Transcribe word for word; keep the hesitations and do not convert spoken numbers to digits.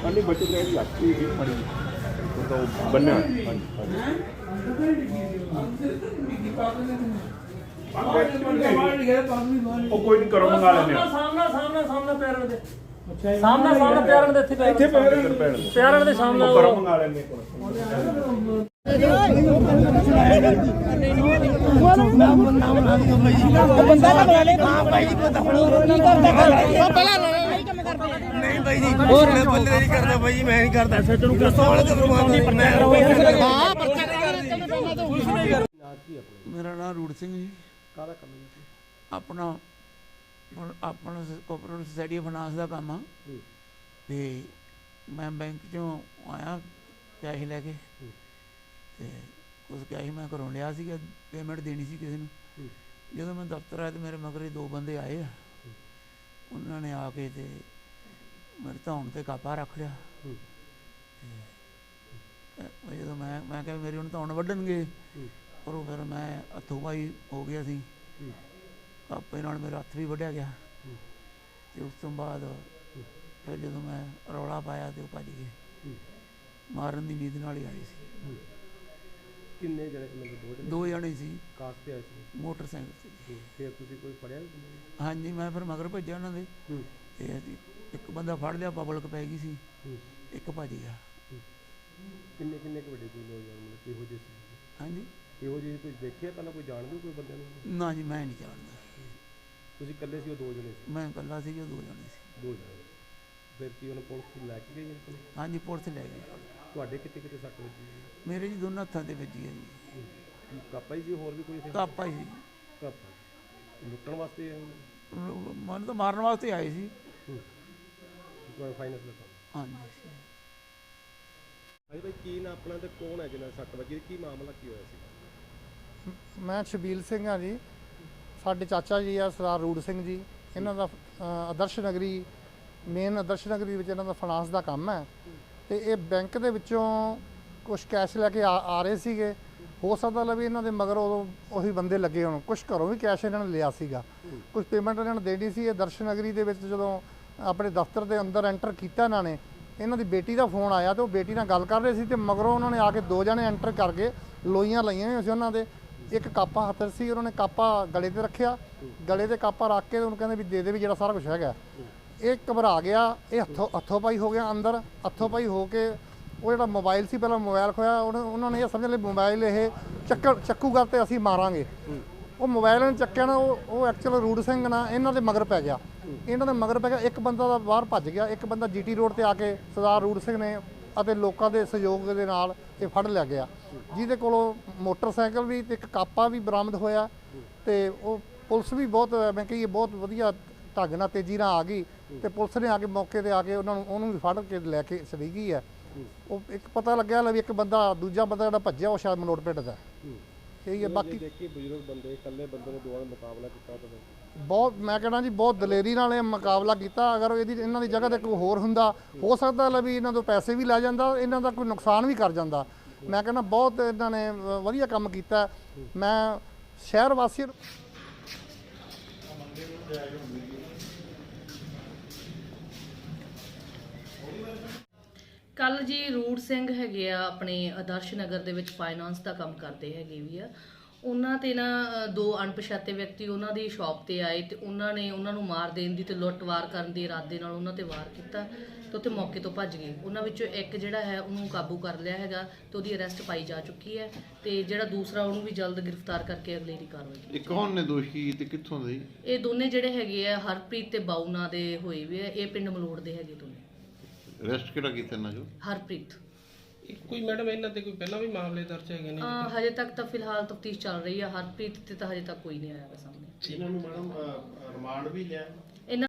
अन्य बचत रहे यात्री भी मरी तो बनना ਉਹ ਕੋਈ ਨਹੀਂ ਕਰੋ ਮੰਗਾ ਲੈਣੇ ਸਾਹਮਣਾ ਸਾਹਮਣਾ ਸਾਹਮਣਾ ਪੈਰਾਂ ਦੇ ਸਾਹਮਣਾ ਸਾਹਮਣਾ ਪੈਰਾਂ ਦੇ ਇੱਥੇ ਇੱਥੇ ਪੈਰਾਂ ਦੇ ਸਾਹਮਣੇ ਕਰੋ ਮੰਗਾ ਲੈਣੇ ਬੰਦਾ ਨਾ ਬਣਾ ਲੈ ਹਾਂ ਭਾਈ ਜੀ ਪਤਾ ਕੀ ਕਰਦਾ ਪਹਿਲਾਂ ਨਹੀਂ ਭਾਈ ਜੀ ਹੋਰ ਬੰਦੇ ਨਹੀਂ ਕਰਦਾ ਭਾਈ ਜੀ ਮੈਂ ਨਹੀਂ ਕਰਦਾ ਸੱਚ ਨੂੰ ਦੱਸੋ ਹਾਂ ਪਰਚਾ ਮੇਰਾ ਨਾਮ ਰੂੜ ਸਿੰਘ ਜੀ। ਕਾਹਦਾ ਕੰਮ ਹੈ ਆਪਣਾ ਆਪਣਾ ਕੋਆਪਰੇਟਿਵ ਸੋਸਾਇਟੀ ਫਾਈਨਾਂਸ ਦਾ ਕੰਮ ਆ ਤੇ ਮੈਂ ਬੈਂਕ ਚੋਂ ਆਇਆ ਪੈਸੇ ਲੈ ਕੇ ਤੇ ਉਸ ਕੈਸ਼ ਮੈਂ ਘਰੋਂ ਲਿਆ ਸੀਗਾ ਪੇਮੈਂਟ ਦੇਣੀ ਸੀ ਕਿਸੇ ਨੂੰ। ਜਦੋਂ ਮੈਂ ਦਫ਼ਤਰ ਆਇਆ ਤੇ ਮੇਰੇ ਮਗਰ ਦੋ ਬੰਦੇ ਆਏ ਆ, ਉਹਨਾਂ ਨੇ ਆ ਕੇ ਤੇ ਮੇਰੇ ਧੌਣ ਤੇ ਕਾਪਾ ਰੱਖ ਲਿਆ। ਤੇ ਜਦੋਂ ਮੈਂ ਮੈਂ ਕਿਹਾ ਮੇਰੀ ਹੁਣ ਧੌਣ ਵੱਢਣਗੇ, ਪਰ ਉਹ ਫਿਰ ਮੈਂ ਹੱਥੋਂ ਪਾਈ ਹੋ ਗਿਆ ਸੀ, ਕਾਪੇ ਨਾਲ ਮੇਰਾ ਹੱਥ ਵੀ ਵੱਢਿਆ ਗਿਆ। ਤੇ ਉਸ ਤੋਂ ਬਾਅਦ ਫਿਰ ਜਦੋਂ ਮੈਂ ਰੌਲਾ ਪਾਇਆ ਤੇ ਉਹ ਭੱਜ ਗਏ, ਮਾਰਨ ਦੀ ਨੀਂਦ ਨਾਲ ਹੀ ਆਏ ਸੀ। ਕਿੰਨੇ ਜਣੇ ਮਤਲਬ ਦੋ ਜਣੇ ਸੀ, ਕਾਰ ਤੇ ਆਏ ਸੀ, ਮੋਟਰਸਾਈਕਲ ਤੇ। ਫਿਰ ਤੁਸੀਂ ਕੋਈ ਫੜਿਆ? ਹਾਂਜੀ, ਮੈਂ ਫਿਰ ਮਗਰ ਭੱਜਿਆ ਉਹਨਾਂ ਦੇ ਤੇ ਅਸੀਂ ਇੱਕ ਬੰਦਾ ਫੜ ਲਿਆ, ਪਬਲਿਕ ਪੈ ਗਈ ਸੀ, ਇੱਕ ਭੱਜ ਗਿਆ। ਕਿੰਨੇ ਕਿੰਨੇ ਕੁ ਵੱਡੇ ਕੋਈ ਨੌਜਵਾਨ ਮਤਲਬ ਕਿਹੋ ਜਿਹੇ ਸੀ? ਹਾਂਜੀ, ਇਹੋ ਜਿਹੇ ਕੋਈ ਦੇਖਿਆ ਪਹਿਲਾਂ ਕੋਈ ਜਾਣਦੇ ਕੋਈ ਬੰਦਿਆਂ ਨੂੰ? ਨਾ ਜੀ, ਮੈਂ ਨਹੀਂ ਜਾਣਦਾ। ਤੁਸੀਂ ਇਕੱਲੇ ਸੀ ਉਹ ਦੋ ਜਣੇ ਸੀ? ਮੈਂ ਇਕੱਲਾ ਸੀ, ਜੋ ਦੋ ਜਣੇ ਸੀ। ਦੋ ਜਣੇ। ਫਿਰ ਕੀ ਉਹਨੂੰ ਪੁਲਿਸ ਲੈ ਕੇ ਗਈ ਆਪਣੇ? ਹਾਂਜੀ, ਪੁਲਿਸ ਲੈ ਗਈ। ਤੁਹਾਡੇ ਕਿਤੇ ਕਿਤੇ ਸੱਟ ਵੱਜੀ? ਮੇਰੇ ਜੀ ਦੋਨਾਂ ਹੱਥਾਂ ਤੇ ਵੱਜੀ ਹੈ ਜੀ। ਕੀ ਕਾਪਾ ਹੀ ਸੀ ਹੋਰ ਵੀ ਕੋਈ ਸੀ? ਕਾਪਾ ਹੀ ਸੀ। ਕਾਪਾ ਲੁੱਟਣ ਵਾਸਤੇ ਮਨ ਤਾਂ ਮਾਰਨ ਵਾਸਤੇ ਆਏ ਸੀ। ਤੁਹਾਡਾ ਫਾਈਨੈਂਸ ਦਾ ਕੰਮ? ਹਾਂਜੀ। ਹਾਂਜੀ ਭਾਈ, ਕੀ ਨਾ ਆਪਣਾ ਤੇ ਕੌਣ ਹੈ ਜਿਹਨਾਂ ਸੱਟ ਵੱਜੀ? ਕੀ ਮਾਮਲਾ ਕੀ ਹੋਇਆ ਸੀ? ਮੈਂ ਸ਼ਬੀਲ ਸਿੰਘ ਹਾਂ ਜੀ। ਸਾਡੇ ਚਾਚਾ ਜੀ ਆ ਸਰਦਾਰ ਰੂੜ ਸਿੰਘ ਜੀ, ਇਹਨਾਂ ਦਾ ਆਦਰਸ਼ ਨਗਰੀ ਮੇਨ ਆਦਰਸ਼ ਨਗਰੀ ਵਿੱਚ ਇਹਨਾਂ ਦਾ ਫਾਈਨਾਂਸ ਦਾ ਕੰਮ ਹੈ। ਤੇ ਇਹ ਬੈਂਕ ਦੇ ਵਿੱਚੋਂ ਕੁਝ ਕੈਸ਼ ਲੈ ਕੇ ਆ ਆ ਰਹੇ ਸੀਗੇ। ਹੋ ਸਕਦਾ ਲਾ ਵੀ ਇਹਨਾਂ ਦੇ ਮਗਰ ਉਦੋਂ ਉਹੀ ਬੰਦੇ ਲੱਗੇ ਹੋਣ। ਕੁਝ ਘਰੋਂ ਵੀ ਕੈਸ਼ ਇਹਨਾਂ ਨੇ ਲਿਆ ਸੀਗਾ, ਕੁਝ ਪੇਮੈਂਟ ਇਹਨਾਂ ਨੇ ਦੇਣੀ ਸੀ। ਇਹ ਆਦਰਸ਼ ਨਗਰੀ ਦੇ ਵਿੱਚ ਜਦੋਂ ਆਪਣੇ ਦਫ਼ਤਰ ਦੇ ਅੰਦਰ ਐਂਟਰ ਕੀਤਾ ਇਹਨਾਂ ਨੇ, ਇਹਨਾਂ ਦੀ ਬੇਟੀ ਦਾ ਫੋਨ ਆਇਆ ਤੇ ਉਹ ਬੇਟੀ ਨਾਲ ਗੱਲ ਕਰ ਰਹੇ ਸੀ ਤੇ ਮਗਰੋਂ ਉਹਨਾਂ ਨੇ ਆ ਕੇ ਦੋ ਜਣੇ ਐਂਟਰ ਕਰਕੇ ਲੋਈਆਂ ਲਾਈਆਂ ਹੋਈਆਂ ਸੀ ਉਹਨਾਂ ਦੇ। ਇੱਕ ਕਾਪਾ ਹੱਥ ਸੀ, ਉਹਨਾਂ ਨੇ ਕਾਪਾ ਗਲੇ ਤੇ ਰੱਖਿਆ, ਗਲੇ ਤੇ ਕਾਪਾ ਰੱਖ ਕੇ ਉਹਨੂੰ ਕਹਿੰਦੇ ਵੀ ਦੇ ਦੇ ਵੀ ਜਿਹੜਾ ਸਾਰਾ ਕੁਝ ਹੈਗਾ। ਇਹ ਘਬਰਾ ਗਿਆ, ਇਹ ਹੱਥੋਂ ਹੱਥੋਂ ਪਾਈ ਹੋ ਗਿਆ ਅੰਦਰ। ਹੱਥੋਂ ਪਾਈ ਹੋ ਕੇ ਉਹ ਜਿਹੜਾ ਮੋਬਾਈਲ ਸੀ, ਪਹਿਲਾਂ ਮੋਬਾਈਲ ਖੋਇਆ। ਉਹਨਾਂ ਨੇ ਇਹ ਸਮਝ ਲਿਆ ਮੋਬਾਈਲ ਇਹ ਚੱਕ ਚੱਕੂਗਾ ਤੇ ਅਸੀਂ ਮਾਰਾਂਗੇ। ਉਹ ਮੋਬਾਈਲ ਨੇ ਚੱਕਿਆ ਨਾ, ਉਹ ਉਹ ਐਕਚੁਅਲ ਰੂੜ ਸਿੰਘ ਨਾ ਇਹਨਾਂ ਦੇ ਮਗਰ ਪੈ ਗਿਆ। ਇਹਨਾਂ ਦੇ ਮਗਰ ਪੈ ਗਿਆ, ਇੱਕ ਬੰਦਾ ਦਾ ਬਾਹਰ ਭੱਜ ਗਿਆ, ਇੱਕ ਬੰਦਾ ਜੀਟੀ ਰੋਡ ਤੇ ਆ ਕੇ ਸਰਦਾਰ ਰੂੜ ਸਿੰਘ ਨੇ ਅਤੇ ਲੋਕਾਂ ਦੇ ਸਹਿਯੋਗ ਦੇ ਨਾਲ ਇਹ ਫੜ ਲਿਆ ਗਿਆ, ਜਿਹਦੇ ਕੋਲੋਂ ਮੋਟਰਸਾਈਕਲ ਵੀ ਤੇ ਇੱਕ ਕਾਪਾ ਵੀ ਬਰਾਮਦ ਹੋਇਆ। ਤੇ ਉਹ ਪੁਲਿਸ ਵੀ ਬਹੁਤ ਮੈਂ ਕਹੀਏ ਬਹੁਤ ਵਧੀਆ ਢੰਗ ਨਾਲ ਤੇਜ਼ੀ ਨਾਲ ਆ ਗਈ ਤੇ ਪੁਲਿਸ ਨੇ ਆ ਕੇ ਮੌਕੇ ਤੇ ਆ ਕੇ ਉਹਨਾਂ ਨੂੰ ਉਹਨੂੰ ਵੀ ਫੜ ਕੇ ਲੈ ਕੇ ਚਲੀ ਗਈ ਹੈ। ਉਹ ਇੱਕ ਪਤਾ ਲੱਗਿਆ ਲੈ ਵੀ ਇੱਕ ਬੰਦਾ ਦੂਜਾ ਬੰਦਾ ਜਿਹੜਾ ਭੱਜਿਆ ਉਹ ਸ਼ਾਇਦ ਮਲੋਟ ਪਿੰਡ ਦਾ ਇਹੀ ਹੈ। ਬਾਕੀ ਦੇਖੀ ਬਜ਼ੁਰਗ ਬੰਦੇ ਇਕੱਲੇ ਬੰਦੇ ਨੇ ਦੋਵਾਂ ਦਾ ਮੁਕਾਬਲਾ ਕੀਤਾ ਤਾਂ ਬਹੁਤ ਮੈਂ ਕਹਿਣਾ ਜੀ ਬਹੁਤ ਦਲੇਰੀ ਨਾਲ ਇਹ ਮੁਕਾਬਲਾ ਕੀਤਾ। ਅਗਰ ਇਹਦੀ ਇਹਨਾਂ ਦੀ ਜਗ੍ਹਾ ਤੇ ਕੋਈ ਹੋਰ ਹੁੰਦਾ, ਹੋ ਸਕਦਾ ਲੈ ਵੀ ਇਹਨਾਂ ਤੋਂ ਪੈਸੇ ਵੀ ਲੈ ਜਾਂਦਾ, ਇਹਨਾਂ ਦਾ ਕੋਈ ਨੁਕਸਾਨ ਵੀ ਕਰ ਜਾਂਦਾ। ਮੈਂ ਕਹਿੰਦਾ ਬਹੁਤ ਇਹਨਾਂ ਨੇ ਵਧੀਆ ਕੰਮ ਕੀਤਾ। ਮੈਂ ਸ਼ਹਿਰ ਵਾਸੀਆਂ ਨੂੰ ਕੱਲ ਜੀ ਰੂੜ ਸਿੰਘ ਹੈਗੇ ਆ ਆਪਣੇ ਆਦਰਸ਼ ਨਗਰ ਦੇ ਵਿੱਚ ਫਾਈਨਾਂਸ ਦਾ ਕੰਮ ਕਰਦੇ ਹੈਗੇ ਵੀ ਆ। ਉਹਨਾਂ ਤੇ ਨਾ ਦੋ ਅਣਪਛਾਤੇ ਵਿਅਕਤੀ ਉਹਨਾਂ ਦੀ ਸ਼ਾਪ ਤੇ ਆਏ ਤੇ ਉਹਨਾਂ ਨੇ ਉਹਨਾਂ ਨੂੰ ਮਾਰ ਦੇਣ ਦੀ ਤੇ ਲੁੱਟ-ਵਾਰ ਕਰਨ ਦੇ ਇਰਾਦੇ ਨਾਲ ਉਹਨਾਂ ਤੇ ਵਾਰ ਕੀਤਾ ਤੇ ਉੱਥੇ ਮੌਕੇ ਤੋਂ ਭੱਜ ਗਏ। ਉਹਨਾਂ ਵਿੱਚੋਂ ਇੱਕ ਜਿਹੜਾ ਹੈ ਉਹਨੂੰ ਕਾਬੂ ਕਰ ਲਿਆ ਹੈਗਾ ਤੇ ਉਹਦੀ ਅਰੈਸਟ ਪਾਈ ਜਾ ਚੁੱਕੀ ਹੈ ਤੇ ਜਿਹੜਾ ਦੂਸਰਾ ਉਹਨੂੰ ਵੀ ਜਲਦ ਗ੍ਰਿਫਤਾਰ ਕਰਕੇ ਅਗਲੇਰੀ ਕਾਰਵਾਈ ਕੀਤੀ। ਇਹ ਕੌਣ ਨੇ ਦੋਸ਼ੀ ਤੇ ਕਿੱਥੋਂ ਦੇ? ਇਹ ਦੋਨੇ ਜਿਹੜੇ ਹੈਗੇ ਆ ਹਰਪ੍ਰੀਤ ਤੇ ਬਾਊ ਨਾਂ ਦੇ ਹੋਏ ਵੀ ਆ। ਇਹ ਪਿੰਡ ਮਲੋੜ ਦੇ ਹੈਗੇ ਦੋਨੇ। ਅਰੈਸਟ ਕਿਹੜਾ ਕੀਤਾ ਨਾ ਜੋ? ਹਰਪ੍ਰੀਤ। ਕੋਈ ਮੈਡਮ ਇਹਨਾਂ ਤੇ ਕੋਈ ਪਹਿਲਾਂ ਵੀ ਮਾਮਲੇ ਦਰਜ ਹੈਗੇ ਨੇ? ਹਜੇ ਤੱਕ ਤਾਂ ਫਿਲਹਾਲ ਤਫਤੀਸ਼ ਚੱਲ ਰਹੀ ਹੈ। ਹਰਪ੍ਰੀਤ ਤੇ ਤਾਂ ਹਜੇ ਤੱਕ ਕੋਈ ਨਹੀਂ ਆਇਆ ਸਾਹਮਣੇ। ਇਹਨਾਂ ਨੂੰ ਮੈਡਮ ਰਿਮਾਂਡ ਵੀ ਲਿਆ?